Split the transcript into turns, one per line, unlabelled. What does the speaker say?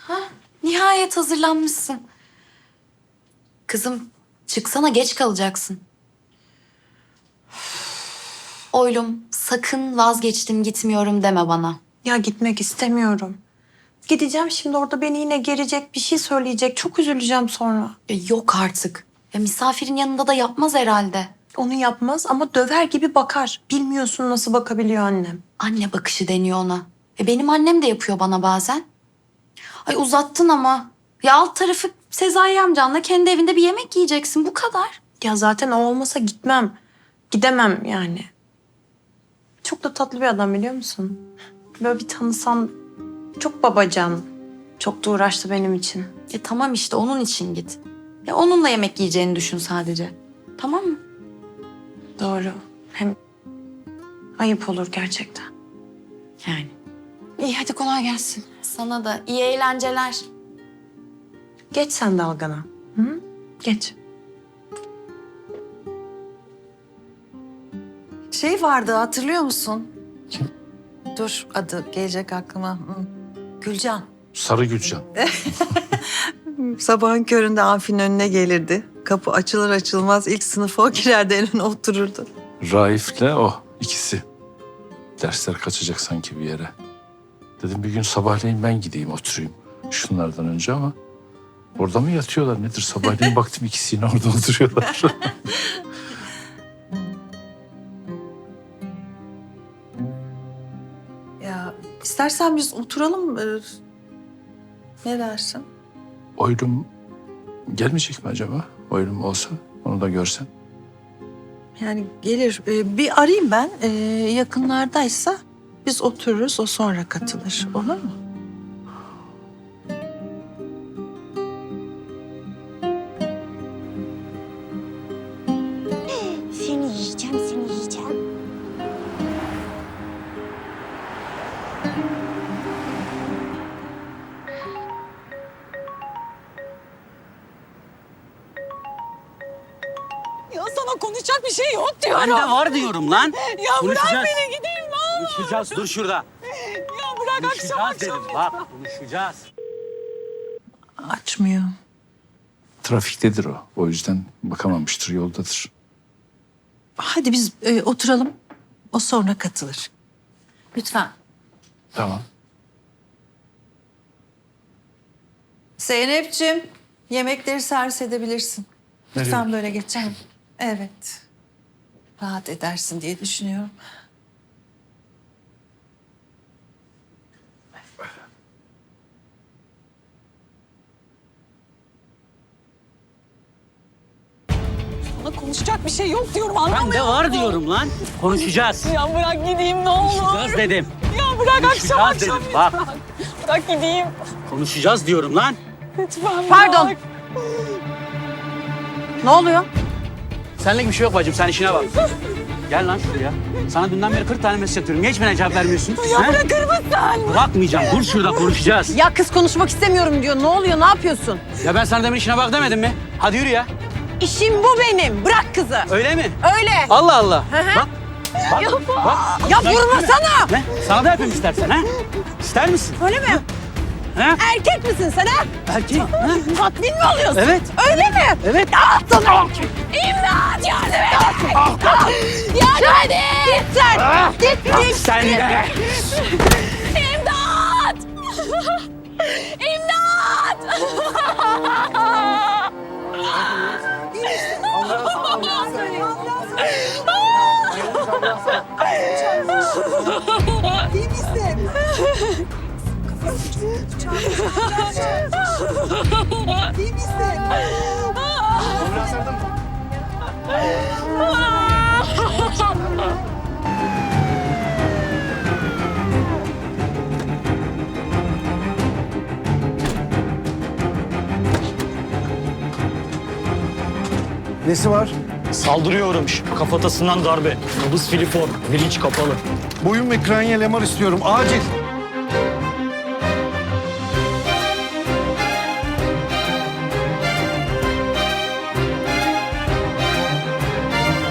Hah, nihayet hazırlanmışsın. Kızım, çıksana, geç kalacaksın. Oylum, sakın vazgeçtim gitmiyorum deme bana.
Ya gitmek istemiyorum. Gideceğim şimdi orada beni yine gerecek, bir şey söyleyecek. Çok üzüleceğim sonra.
Yok artık. Ya misafirin yanında da yapmaz herhalde.
Onu yapmaz ama döver gibi bakar. Bilmiyorsun nasıl bakabiliyor annem.
Anne bakışı deniyor ona. Benim annem de yapıyor bana bazen. Ay uzattın ama. Ya alt tarafı Sezai amcanla kendi evinde bir yemek yiyeceksin. Bu kadar.
Ya zaten o olmasa gitmem. Gidemem yani. Çok da tatlı bir adam biliyor musun? Böyle bir tanısan çok babacan. Çok da uğraştı benim için.
Tamam işte onun için git. Ya onunla yemek yiyeceğini düşün sadece. Tamam mı?
Doğru. Hem ayıp olur gerçekten.
Yani.
İyi hadi kolay gelsin.
Sana da iyi eğlenceler.
Geç sen dalgana. Hı? Geç.
Şey vardı hatırlıyor musun? Dur adı gelecek aklıma. Gülcan.
Sarı Gülcan.
Sabahın köründe amfinin önüne gelirdi. Kapı açılır açılmaz ilk sınıfa o girerdi, en öne otururdu.
Raif'le o ikisi. Dersler kaçacak sanki bir yere. Dedim bir gün sabahleyin ben gideyim oturayım şunlardan önce ama orada mı yatıyorlar nedir? Sabahleyin baktım ikisi yine orada oturuyorlar.
Ya istersen biz oturalım. Ne dersin?
Oylum gelmeyecek mi acaba? Oylum olsa onu da görsen.
Yani gelir. Bir arayayım ben. Yakınlardaysa biz otururuz, o sonra katılır. Olur mu?
Seni yiyeceğim, seni yiyeceğim.
Ya sana konuşacak bir şey yok diyorum.
Ben de var diyorum lan.
Ya
Konuşacağız.
bırak beni gideyim ne olur.
Konuşacağız. Dur şurada.
Ya bırak akşam
Konuşacağız
akşam.
dedim. Bak konuşacağız.
Açmıyor.
Trafiktedir o. O yüzden bakamamıştır, yoldadır.
Hadi biz oturalım. O sonra katılır. Lütfen.
Tamam.
Zeynep'ciğim, yemekleri servis edebilirsin.
Nereye?
Lütfen böyle geçelim. Evet. Rahat edersin diye düşünüyorum.
Sana konuşacak bir şey yok diyorum anlamıyor
Ben de
musun?
var diyorum lan. Konuşacağız.
Ya bırak gideyim ne olur.
Konuşacağız dedim.
Ya bırak akşam
Konuşacağız
akşam
dedim, bak.
lütfen. Bırak gideyim.
Konuşacağız diyorum lan.
Lütfen
Pardon.
bırak.
Ne oluyor?
Senlik bir şey yok bacım. Sen işine bak. Gel lan şuraya. Sana dünden beri 40 tane mesaj atıyorum. Niye hiç bana cevap vermiyorsun?
Ya
He?
bırakır mısın?
Bırakmayacağım. Dur şurada konuşacağız.
Ya kız konuşmak istemiyorum diyor. Ne oluyor? Ne yapıyorsun?
Ya ben sana demin işine bak demedim mi? Hadi yürü ya.
İşim bu benim. Bırak kızı.
Öyle mi?
Öyle.
Allah Allah. Bak. Bak. Bak.
Ya
Bak.
vurmasana.
Ne? Sana da yapayım istersen ha? İster misin?
Öyle mi?
Ha?
Erkek misin sen ha?
Erkek. Ha?
Tatmin mi oluyorsun?
Evet.
Öyle mi?
Evet.
Ah sana erkek. İmdat yardım et. Yardım et. Git sen. Git.
Sen de.
İmdat! İmdat!
İyi misin? İyi misin?
Nesi var?
Saldırıya uğramış. Kafatasından darbe. Nabız filiform. Bilinç kapalı.
Boyun ve kranyal MR istiyorum. Acil.